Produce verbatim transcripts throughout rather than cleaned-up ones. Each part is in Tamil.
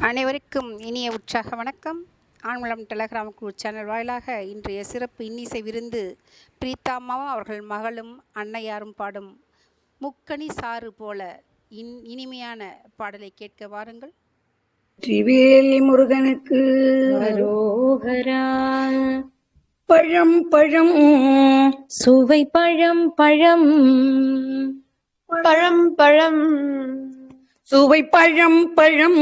அனைவருக்கும் இனிய உற்சாக வணக்கம். ஆண்மலம் டெலகிராம் குழு சேனல் வாயிலாக இன்றைய சிறப்பு இன்னிசை விருந்து பிரீத்தாம்மாவும் அவர்கள் மகளும் அன்னையாரும் பாடும் முக்கணி சாறு போல இன் இனிமையான பாடலை கேட்க வாருங்கள். திரிவேலி முருகனுக்கு அரோகரா. பழம் பழம் சுவை பழம் பழம் பழம் பழம் சுவை பழம் பழம்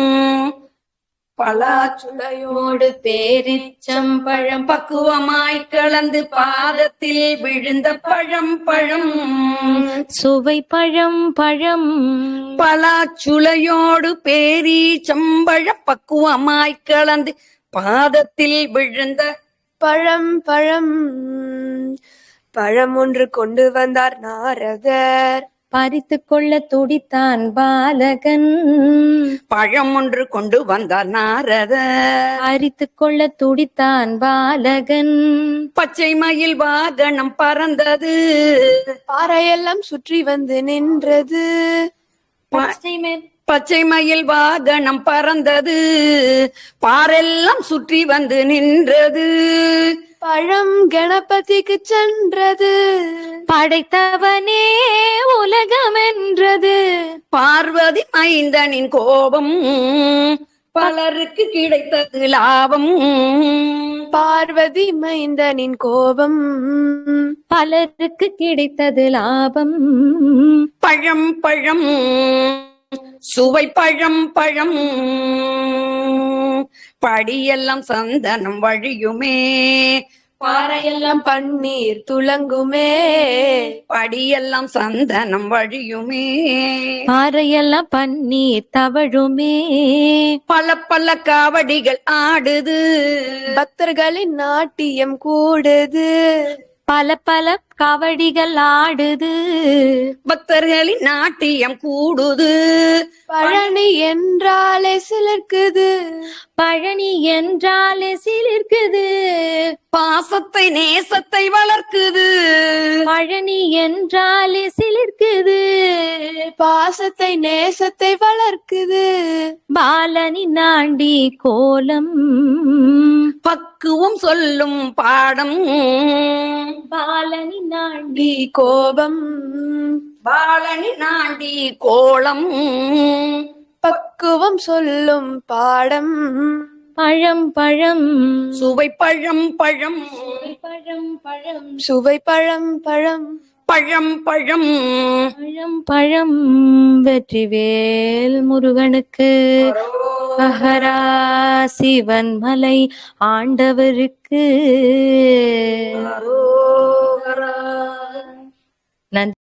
பலாச்சுளையோடு பேரிச்சம் பழம் பக்குவமாய் கலந்து பாதத்தில் விழுந்த பழம் பழம் சுவை பழம் பழம் பலாச்சுளையோடு பேரி சம்பழ பக்குவமாய் கலந்து பாதத்தில் விழுந்த பழம் பழம் பழம் ஒன்று கொண்டு வந்தார் நாரதர். பறித்து கொள்ள துடித்தான் பாலகன். பழம் ஒன்று கொண்டு வந்தார் நாரதர். பறித்து கொள்ள துடித்தான் பாலகன். பச்சை மயில் வாகனம் பறந்தது. பாறையெல்லாம் சுற்றி வந்து நின்றது. பச்சை மேல் பச்சை மயில் வாகனம் பறந்தது. பாரெல்லாம் சுற்றி வந்து நின்றது. பழம் கணபதிக்கு சென்றது. படைத்தவனே உலகமென்றது. பார்வதி மைந்தனின் கோபம் பலருக்கு கிடைத்தது லாபம். பார்வதி மைந்தனின் கோபம் பலருக்கு கிடைத்தது லாபம். பழம் பழம் சுவை பழம் பழம் படியெல்லாம் சந்தனம் வழியுமே. பாறையெல்லாம் பன்னீர் துளங்குமே. படியெல்லாம் சந்தனம் வழியுமே. பாறையெல்லாம் பன்னீர் தவழுமே. பல பல காவடிகள் ஆடுது. பக்தர்களின் நாட்டியம் கூடுது. பல பல கவடிகள் ஆடுது. பக்தர்களின் நாட்டியம் கூடுது. பழனி என்றாலே சிலிர்க்குது. பழனி என்றாலே சிலிர்க்குது. பாசத்தை நேசத்தை வளர்க்குது. பழனி என்றாலே சிலிர்க்குது. பாசத்தை நேசத்தை வளர்க்குது. பாலனி நாண்டி கோலம் பக்குவம் சொல்லும் பாடம். பாலனி நாண்டி டி கோபம் பாலனி நாண்டி கோலம் பக்குவம் சொல்லும் பாடம். பழம் பழம் சுவை பழம் பழம் பழம் பழம் சுவை பழம் பழம் பழம் பழம் பழம் பழம் வெற்றிவேல் முருகனுக்கு அகரா. சிவன் மலை ஆண்டவருக்கு நன்றி.